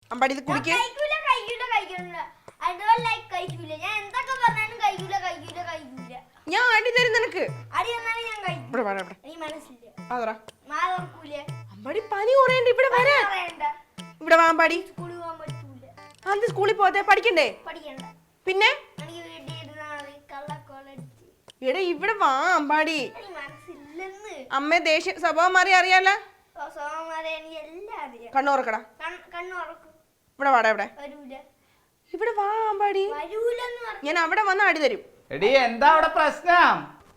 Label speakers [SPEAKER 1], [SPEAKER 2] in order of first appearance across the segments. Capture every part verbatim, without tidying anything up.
[SPEAKER 1] അമ്പാടി ഇത് കുടിക്കേ. ഞാൻ അടി തരും നിനക്ക്. അമ്പാടി പനി കുറയണ്ട, ഇവിടെ വരാ. ഇവിടെ വാ അമ്പാടി. അത് സ്കൂളിൽ പോകാതെ പഠിക്കണ്ടേ? പിന്നെ ഇവിടെ ഇവിടെ വാ അമ്പാടി. അമ്മ ദേഷ്യ സ്വഭാവം മാറി അറിയാലോ. കണ്ണുറക്കടാ. ഇവിടെ വാടാ. ഇവിടെ ഇവിടെ വാ അമ്പാടി. ഞാൻ അവിടെ വന്ന് അടി തരും.
[SPEAKER 2] എടി എന്താ അവിടെ പ്രശ്നം?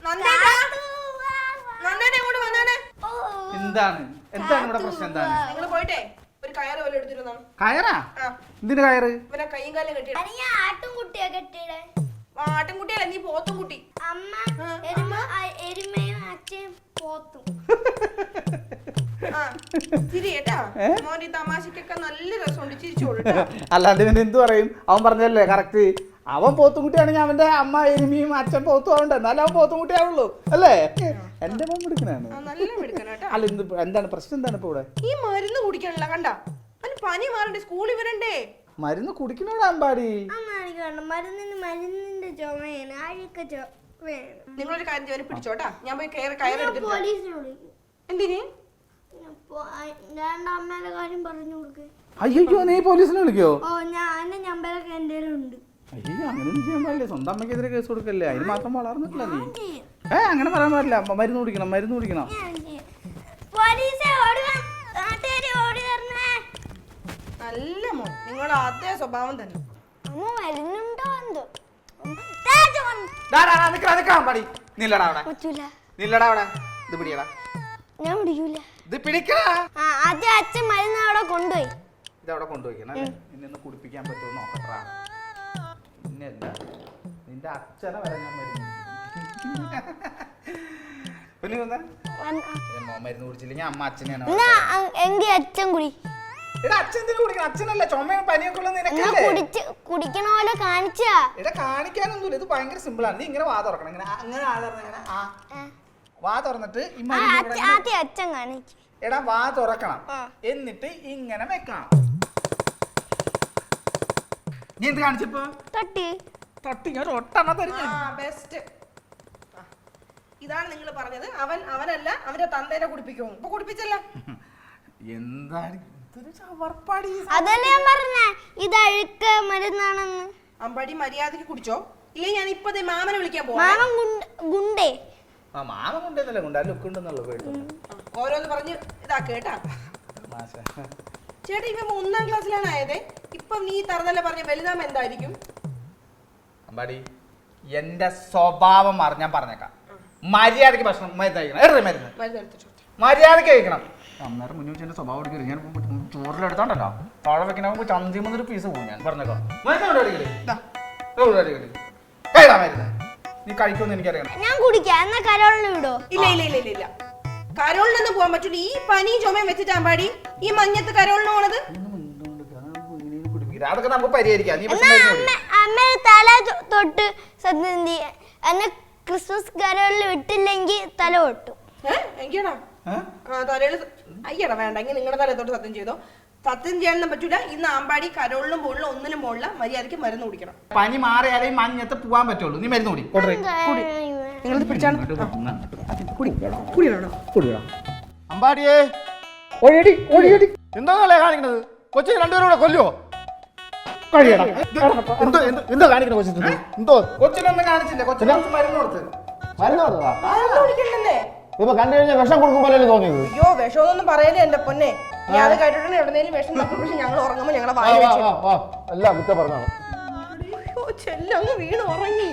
[SPEAKER 2] എന്താണ് എന്താണ് ഇവിടെ പ്രശ്നം? എന്താണ്?
[SPEAKER 1] നിങ്ങൾ പോയിട്ടേ ഒരു കയറ് പോലെ എടുത്തിരുന്നോ?
[SPEAKER 2] കയറാ? എന്തിന് കയറ്?
[SPEAKER 1] ഇവനെ കൈയും കാലും കെട്ടി. ആട്ടിൻകുട്ടിയല്ല, നീ പോത്തും കുട്ടി. തമാശക്കൊക്കെ നല്ല രസമുണ്ട്, ചിരിച്ചോളൂ.
[SPEAKER 2] അല്ലാണ്ട് പിന്നെ എന്ത് പറയും? അവൻ പറഞ്ഞല്ലേ കറക്റ്റ്. അവൻ പോത്തുംകുട്ടിയാണെങ്കിൽ അവന്റെ അമ്മ എരുമിയും അച്ഛൻ പോത്തും ആവണ്ട, എന്നാലും അവൻ പോത്തുംകുട്ടി ആവുള്ളൂ അല്ലേ? എന്റെ മോൻ മിടുക്കനാണ്. അല്ല എന്ത് എന്താണ് പ്രശ്നം? എന്താണ് ഇപ്പൊ ഇവിടെ?
[SPEAKER 1] ഈ മരുന്ന് കുടിക്കണല്ലോ, കണ്ട പനി മാറണ്ടേ, സ്കൂളിൽ വരണ്ടേ?
[SPEAKER 2] മരുന്ന് കുടിക്കണോടാ അമ്പാടി.
[SPEAKER 3] മരുന്നിന്റെ ചുമയാണ്.
[SPEAKER 1] നിങ്ങളൊരു കാര്യം ചെയ്യും, പിടിച്ചോട്ടാ. ഞാൻ പോയി കയറി കയറെടുത്തിട്ട്. എന്തിന്?
[SPEAKER 3] അമ്മേടെ കാര്യം പറഞ്ഞു കൊടുക്ക്.
[SPEAKER 2] അയ്യോ നീ പോലീസിനെ വിളിക്കോ?
[SPEAKER 3] ഓ ഞാൻ നമ്പറൊക്കെ എന്റെ ഉണ്ട്.
[SPEAKER 2] അയ്യോ അങ്ങനെയൊന്നും ചെയ്യാൻ പാടില്ല. സ്വന്തം അമ്മയ്ക്കെതിരെ കേസ് കൊടുക്കല്ലേ? അതിന് മാത്രം വളർന്നിട്ടില്ല നീ. ഏ അങ്ങനെ പറയാൻ പാടില്ല. മരുന്ന് കുടിക്കണം, മരുന്ന് കുടിക്കണം.
[SPEAKER 1] നല്ല മോൻ, നിങ്ങളുടെ അതേ സ്വഭാവം തന്നെ.
[SPEAKER 3] ഞാൻ പിടിക്കൂല. അച്ഛൻ മരുന്ന് അവിടെ കൊണ്ടുപോയി.
[SPEAKER 2] ഇതവിടെ കൊണ്ടുപോയിക്കണം അല്ലേ? നിന്നെ കുടിപ്പിക്കാൻ പറ്റുമോ നോക്കട്ടാ. പിന്നെയല്ല നിന്റെ അച്ഛനെ വരെ ഞാൻ മരുന്ന് പിന്നെ മരുന്ന് കുടിച്ചില്ലെങ്കിൽ അമ്മ അച്ഛനെയാണ്.
[SPEAKER 3] എങ്കിൽ അച്ഛൻ കുടി.
[SPEAKER 2] അച്ഛനല്ല ചുമയും പനിയൊക്കെ ഉള്ള
[SPEAKER 3] കുടിക്കണ പോലെ കാണിച്ചാ.
[SPEAKER 2] എടാ കാണിക്കാനൊന്നുമില്ല, ഇത് ഭയങ്കര സിമ്പിൾ ആണ്. നീ ഇങ്ങനെ വാ തുറക്കണം, ഇങ്ങനെ അങ്ങനെ ആ തുറന്നിങ്ങനെ ആ വാ തുറന്നിട്ട്
[SPEAKER 3] അച്ഛൻ കാണിച്ചു.
[SPEAKER 2] എടാ വാ തുറക്കണം, എന്നിട്ട് ഇങ്ങനെ വെക്കണം. നീ എന്ത് കാണിച്ചപ്പോ?
[SPEAKER 3] തട്ടി
[SPEAKER 2] തട്ടി ഞാൻ ഒട്ടെണ്ണ തരുന്നു.
[SPEAKER 1] ബെസ്റ്റ്. ഇതാണ് നിങ്ങൾ പറഞ്ഞത്. അവൻ അവനല്ല അവന്റെ തന്തേനെ കുടിപ്പിക്കും. ഇപ്പൊ കുടിപ്പിച്ചല്ല.
[SPEAKER 2] എന്താണ്
[SPEAKER 3] അതല്ലേ ഞാൻ പറഞ്ഞേ, ഇത് അഴുക്ക മരുന്നാണെന്ന്.
[SPEAKER 1] അമ്പാടി മര്യാദക്ക് കുടിച്ചോ, ഇല്ലേ ഞാൻ ഇപ്പൊ മാമനെ വിളിക്കാൻ പോവാ.
[SPEAKER 3] മാമൻ ഗുണ്ടേ.
[SPEAKER 2] ആ മാമൻ കൊണ്ടേന്നല്ലേ കൊണ്ട് ആ ലുക്ക് ഉണ്ടെന്നുള്ളൂ.
[SPEAKER 1] ഓരോന്ന് പറഞ്ഞ് ഇതാ കേട്ടാ. ചേട്ടാ ഇവ ഒന്നാം ക്ലാസ്സിലാണ് ആയത്. ഇപ്പൊ നീ തറന്നല്ല പറഞ്ഞ വലുതാമ എന്തായിരിക്കും?
[SPEAKER 2] അമ്പാടി എന്റെ സ്വഭാവം മാറി ഞാൻ പറഞ്ഞേക്കാം. മര്യാദക്ക് ഭക്ഷണം മരുന്ന് മരുന്ന് മര്യാദക്ക് കഴിക്കണം. അന്നേരം മുന്നേ വെച്ച് എന്റെ സ്വഭാവം എടുക്കരുത്. ഞാൻ ചോറിലെടുത്തോണ്ടല്ലോ താഴെ വെക്കണ ചന്തി മുന്നൊരു പീസ് പോകും. ഞാൻ പറഞ്ഞേക്കാം മരുന്ന് നീ കഴിക്കുമെന്ന് എനിക്കറിയാം.
[SPEAKER 3] ഞാൻ കുടിക്കാം. എന്നാ കരോളിന് വിടോ?
[SPEAKER 1] ഇല്ല ഇല്ല ഇല്ല ഇല്ല കരോളിനൊന്നും പോകാൻ പറ്റൂല. ഈ പനിയും ചുമയും വെച്ചിട്ട് അമ്പാടി ഈ മഞ്ഞത്ത് കരോളിന് പോണത്.
[SPEAKER 2] അതൊക്കെ നമുക്ക് പരിഹരിക്കാം.
[SPEAKER 3] അമ്മ തല തൊട്ട് സത്യം എന്നെ ക്രിസ്മസ് കരോളിൽ വിട്ടില്ലെങ്കിൽ തല പൊട്ടും.
[SPEAKER 1] എങ്കിയാണോ തലയിൽ? അയ്യടാ വേണ്ട, എങ്കിൽ നിങ്ങളുടെ തല തൊട്ട് സത്യം ചെയ്തോ. സത്യം ചെയ്യാനൊന്നും പറ്റൂല. ഇന്ന് ആമ്പാടി കരോളിലും പോളിലും ഒന്നിനും പോളില്ല. മര്യാദയ്ക്ക് മരുന്ന് കുടിക്കണം.
[SPEAKER 2] പനി മാറിയാലേ മഞ്ഞത്ത് പോവാൻ പറ്റുള്ളൂ. നീ മരുന്ന് കുടി.
[SPEAKER 4] അമ്പാടിയേ ഒഴിയടി ഒഴിയടി. എന്താണല്ലേ കാണിക്കണത്? കൊച്ചിനെ രണ്ടുപേരും കൂടെ കൊല്ലുവോ? കഴിയടാ. എന്തോ എന്തോ കാണിക്കണ കൊച്ചിന്? എന്തോ
[SPEAKER 2] കൊച്ചിനൊന്നും കാണിച്ചില്ല. കൊച്ചിന് മരുന്ന് കൊടുത്ത്
[SPEAKER 4] മരുന്ന് കൊടുത്തതാ.
[SPEAKER 1] കുടിക്കണ്ടേ?
[SPEAKER 4] ഇപ്പൊ കണ്ടു കഴിഞ്ഞാൽ വിഷം കൊടുക്കുമ്പോഴല്ലേ തോന്നിയത്?
[SPEAKER 1] അയ്യോ വിഷമൊന്നും പറയല്ലേ എന്റെ പൊന്നെ. ഞാൻ അത് കേട്ടിട്ടുണ്ട്. എവിടെന്നേലും വിഷം പക്ഷെ ഞങ്ങൾ ഉറങ്ങുമ്പോ ഞങ്ങളെ വായ
[SPEAKER 4] എല്ലാം കുറ്റം പറഞ്ഞാണ്.
[SPEAKER 1] ചെല്ലങ്ങ് വീണ് ഉറങ്ങി.